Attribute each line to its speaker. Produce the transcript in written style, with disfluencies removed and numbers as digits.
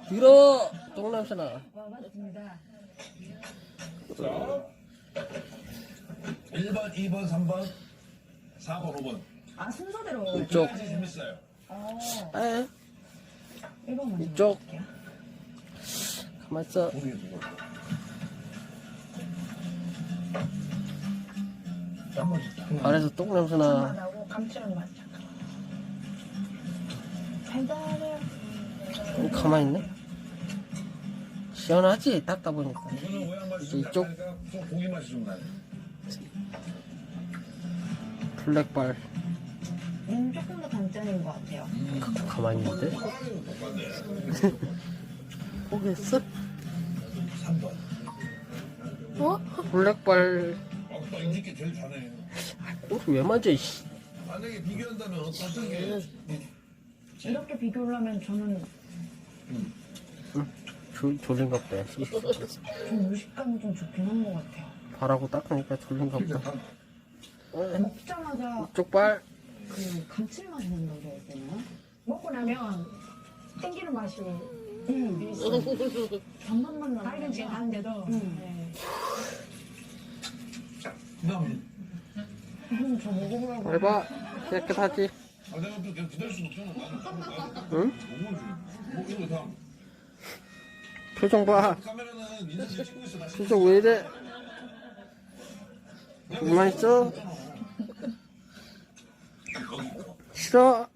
Speaker 1: 들어! 똥냄새나.
Speaker 2: 맞습니다.
Speaker 3: 자, 1번, 2번, 3번, 4번, 5번.
Speaker 2: 아, 순서대로.
Speaker 1: 이쪽.
Speaker 3: 아주 재밌어요.
Speaker 1: 에?
Speaker 2: 1번 먼저.
Speaker 1: 이쪽.
Speaker 2: 볼게요.
Speaker 1: 가만있어.
Speaker 3: 고기 두 번. 짠맛 있다.
Speaker 1: 발에서 똥냄새나.
Speaker 2: 나고 감칠한 맛. 달달해요.
Speaker 1: 가만있네. 시원하지? 닦다 보니까.
Speaker 3: 이거는 모양 맛이
Speaker 1: 이제
Speaker 3: 좀
Speaker 1: 이쪽.
Speaker 3: 약하니까 좀 고기 맛이 좀 나요.
Speaker 1: 블랙발.
Speaker 2: 조금 더 단짠인 것 같아요.
Speaker 1: 가만히 있는데?
Speaker 3: 똑같네.
Speaker 1: 포기했어?
Speaker 3: 3번.
Speaker 1: 어? 블랙발.
Speaker 3: 아까 인지께 제일 잘해.
Speaker 1: 왜 만져, 이씨.
Speaker 3: 만약에 비교한다면 어떤 게
Speaker 2: 이렇게 비교를 하면 저는
Speaker 1: 졸린가 보다.
Speaker 2: 좀 무식감이 좀 좋긴 한 것 같아요.
Speaker 1: 발하고 닦으니까 졸린가 보다.
Speaker 2: 먹자마자
Speaker 1: 이쪽 발.
Speaker 2: 그 감칠맛이 난다고 해야 되나?
Speaker 4: 먹고 나면 땡기는 맛이
Speaker 2: 단맛만 나는
Speaker 4: 다른 집 하는데도 네.
Speaker 3: 그다음
Speaker 2: 저 먹어보라고.
Speaker 1: 해봐. 깨끗하지?
Speaker 3: 아 내가 또 계속 기다릴 수 없잖아.
Speaker 1: 응?
Speaker 3: 뭐 이거 다음.
Speaker 1: 표정 봐.
Speaker 3: 카메라는 인사실 찍고 있어. 나
Speaker 1: 표정 왜 이래? 가만 있어? 싫어?